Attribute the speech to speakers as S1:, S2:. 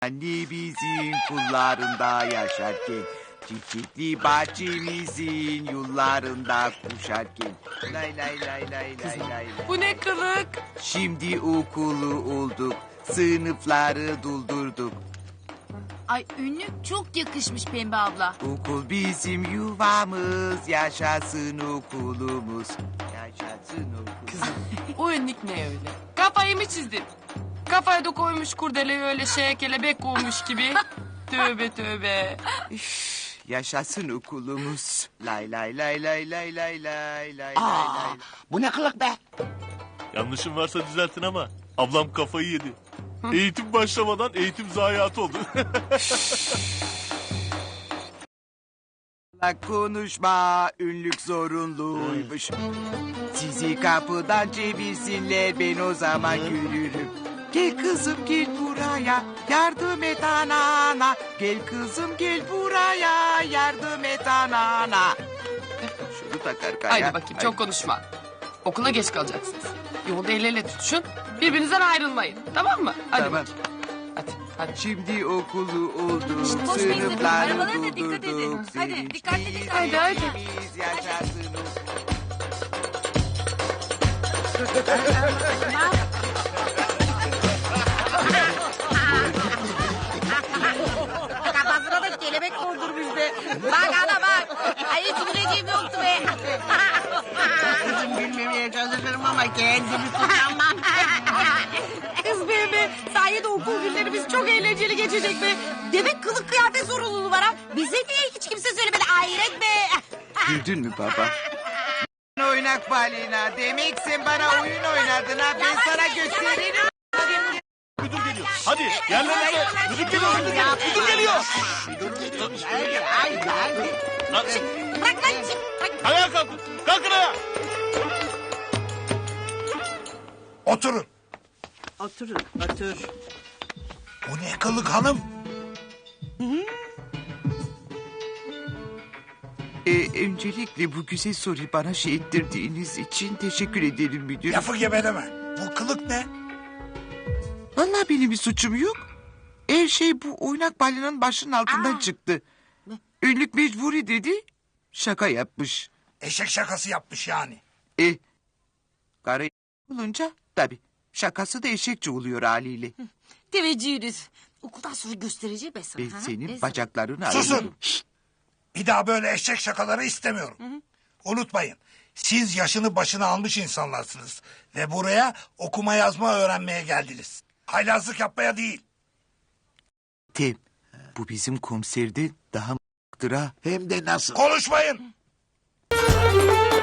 S1: Annemizin kullarında yaşarken, çiçekli bahçemizin yollarında koşarken. Lay lay lay lay lay lay.
S2: Bu ne kılık?
S1: Şimdi okulu olduk, sınıfları doldurduk.
S3: Ay önlük çok yakışmış Pembe abla.
S1: Okul bizim yuvamız, yaşasın okulumuz. Yaşasın okulumuz.
S2: O önlük ne öyle? Kafayı mı çizdin? Kafaya da koymuş kurdeleyi öyle kelebek olmuş gibi. Tövbe tövbe.
S1: Yaşasın okulumuz. Lay lay lay lay lay lay lay lay
S4: Aa,
S1: lay.
S4: bu ne kılık be?
S5: Yanlışım varsa düzeltin ama ablam kafayı yedi. Eğitim başlamadan eğitim zayiatı oldu.
S1: Konuşma ünlük zorunluymuş. Sizi kapıdan çevirsinler, ben o zaman yürürüm. Gel kızım gel buraya, yardım et anana. Gel kızım gel buraya, yardım et anana. Şunu takar kaya.
S2: Haydi bakayım çok konuşma. Okula geç kalacaksınız. Yolda el ele tutuşun. Birbirinizden ayrılmayın. Tamam mı? Hadi
S1: Tamam.
S2: bakayım. Hadi.
S1: Şimdi okulu olduk,
S3: koşmayın sakın,
S1: sınıfları
S3: arabalara da dikkat edin.
S1: doldurduk.
S3: Hadi, dikkatli, dikkatli.
S2: Hadi, hadi.
S1: Sevinçliyiz, yaşasın
S4: Kafasına da kelebek kondurmuş be. Bak ana bak. Ay hiç güleceğim yoktu be. Kızım gülmemeye çalışırım ama kendimi tutamam. Kız be. Sayede okul günlerimiz çok eğlenceli geçecek be. Demek kılık kıyafet zorunluluğu var ha. Bize niye hiç kimse söylemedi hayret be.
S1: Güldün mü baba? Oynak balina. Demek sen bana oyun oynadın ha. Ben sana gösteririm.
S5: Müdür geliyor. Hadi yerlerinize. Müdür geliyor. Müdür geliyor. Lan,
S4: Bırak lan çık. Bırak.
S5: ayağa kalkın. Kalkın ayağa.
S6: Oturun.
S4: Otur.
S6: Bu ne kılık hanım?
S1: Öncelikle bu güzel soruyu bana ettirdiğiniz için teşekkür ederim müdür.
S6: Lafı gebeleme. Bu kılık ne?
S1: Vallahi benim bir suçum yok. Her şey bu oynak balinanın başının altından çıktı. Ünlük mecburi dedi. Şaka yapmış.
S6: Eşek şakası yapmış yani.
S1: Karı olunca tabii şakası da eşekçe oluyor haliyle.
S4: Teveccühünüz. Okuldan sonra göstereceğim ben sana.
S1: Ben
S4: ha?
S1: senin
S4: Ben
S1: bacaklarını
S6: Susun.
S1: alırım.
S6: Bir daha böyle eşek şakaları istemiyorum. Unutmayın. Siz yaşını başına almış insanlarsınız. Ve buraya okuma yazma öğrenmeye geldiniz. Haylazlık yapmaya değil.
S1: Tem, bu bizim komiserden daha m***dır ha.
S4: Hem de nasıl?
S6: Konuşmayın.